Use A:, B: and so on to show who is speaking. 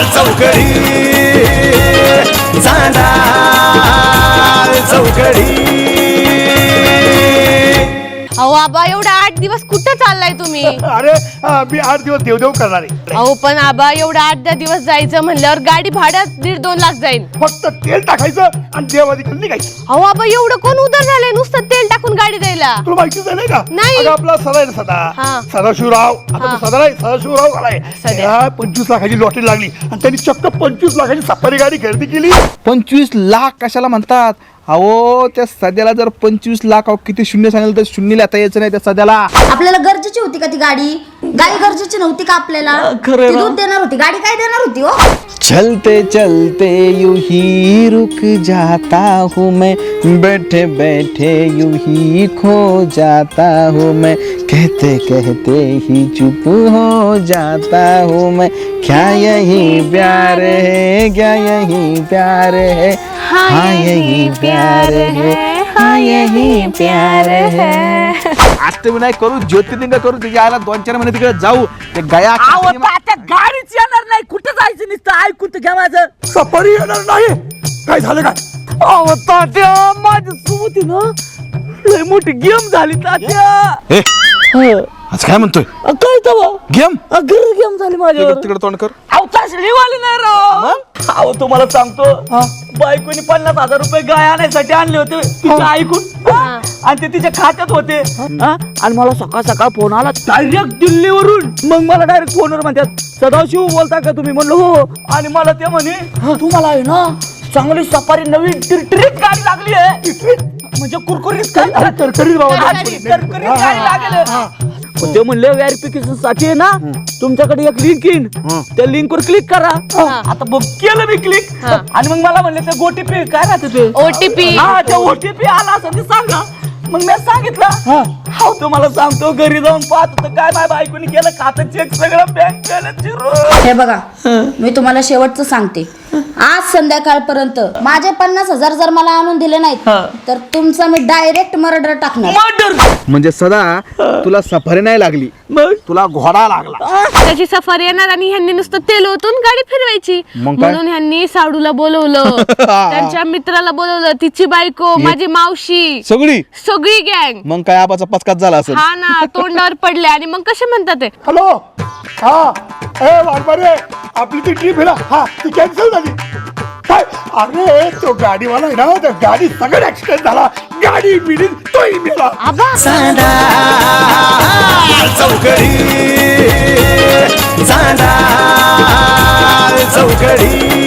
A: चौकडी चांदा चौकडी.
B: अहो आबा एवढा 8 दिवस कुठं चाललाय तुम्ही?
C: अरे मी 8 दिवस देवदेव करणार आहे.
B: अहो पण आबा एवढा 8-10 दिवस जायचं म्हणल्यावर गाडी भाड्यात 1.5-2 लाख जाईल.
C: फक्त तेल टाकायचं आणि देवाधिकल निघायचं.
B: अहो आबा एवढं कोण उधार झालंय नुसतं तेल टाकून गाडी द्यायला?
C: तुला माहितीच आहे नाही का?
B: नाही.
C: अगं आपला सदा आहे ना
B: हा.
C: सदाशिवराव. आता तो सदा नाही, सदाशिवराव आलाय.
B: सदा.
C: त्याला 25 लाखाची लॉटरी लागली आणि त्यांनी चक्क 25 लाखाची सफारी गाडी खरेदी केली.
D: 25 लाख कशाला म्हणतात? अहो त्या सध्याला जर 25 लाख किती शून्य सांगितलं तर शून्य लिहिता यायचं नाही त्या सध्याला.
E: आपल्याला गरजेची होती का ती गाडी? गाडी गरजेची नव्हती का आपल्याला? ती दूध देणार होती, गाडी काय देणार होती हो?
D: चलते चलते यूं ही रुक जाता हूँ मैं, बैठे बैठे यूं ही खो जाता हूँ मैं, कहते कहते ही चुप हो जाता हूँ मैं. क्या यही प्यार है, क्या यही प्यार है, हाँ यही प्यार है, हाँ यही प्यार है. अष्टविनायक करू, ज्योतिर्लिंग करू, तुझ्या आला 2-4 महिने तिकडे जाऊ. ते गया
F: गाडीच येणार नाही. कुठं जायचं नुसतं ऐकून तर घ्या माझं.
C: सफारी येणार नाही. काय झालं काय?
F: अहो तात्या माझी सुमती ना लय मोठी गेम झाली तात्या.
D: आज काय म्हणतोय?
F: काय तवा
D: गेम
F: गेम झाली माझ्यावर.
D: तिकडे तोंड कर.
F: अहो तसली वाली नाही राव. अहो तुम्हाला सांगतो बायकोनी 50,000 रुपये गाय आणायसाठी आणले होते तिच्या ऐकून आणि ते तिच्या खात्यात होते. आणि मला सकाळ सकाळ फोन आला डायरेक्ट दिल्लीवरून. मग मला डायरेक्ट फोनवर म्हणतात सदाशिव बोलता का तुम्ही? म्हणलो हो. आणि मला ते म्हणे तुम्हाला आहे ना चांगली सफारी नवीन टिरटिरीत गाडी लागली आहे. म्हणजे कुरकुरीत
C: तरतरीत बाबा.
F: गाडी लागेल. ते म्हणले व्हेरिफिकेशन साठी आहे ना तुमच्याकडे एक लिंक येईन त्या लिंक वर क्लिक करा. आता बघ केलं मी क्लिक आणि मग मला म्हणले ते ओटीपी काय राहते ते
B: ओटीपी.
F: हा ते ओटीपी आला असं ते सांगा. मग मी सांगितलं हो तुम्हाला सांगतो घरी जाऊन पाहतो तर काय माझ्या बायकोनी केलं खातं चेक सगळं बँक केलं.
E: हे बघा मी तुम्हाला शेवटचं सांगते. आज संध्याकाळपर्यंत माझे 50,000 जर मला आणून दिले नाहीत तर तुमचा मी डायरेक्ट मर्डर टाकणार.
D: म्हणजे सदा तुला सफारी नाही लागली,
F: मग
D: तुला घोडा लागला.
B: त्याची सफारी येणार आणि ह्यांनी नुसतं तेल ओतून गाडी फिरवायची.
D: मग काय?
B: म्हणून ह्यांनी साडूला बोलवलं, त्यांच्या मित्राला बोलवलं, तिची बायको, माझी मावशी, सगळी गँग.
D: मग काय आबाचा पचकाच झाला असेल.
B: हा ना तोंडावर पडले. आणि मग कसे म्हणतात ते
C: हॅलो. हा ए वाघमारे आपली ती ट्रिप आहे ना हा ती कॅन्सल झाली. काय? अरे तो गाडीवाला आहे ना त्या गाडी सगळं ऍक्सिडेंट झाला. गाडी मिळील तोही मिळाला.
A: चांदा चौकडी चांदा चौकडी.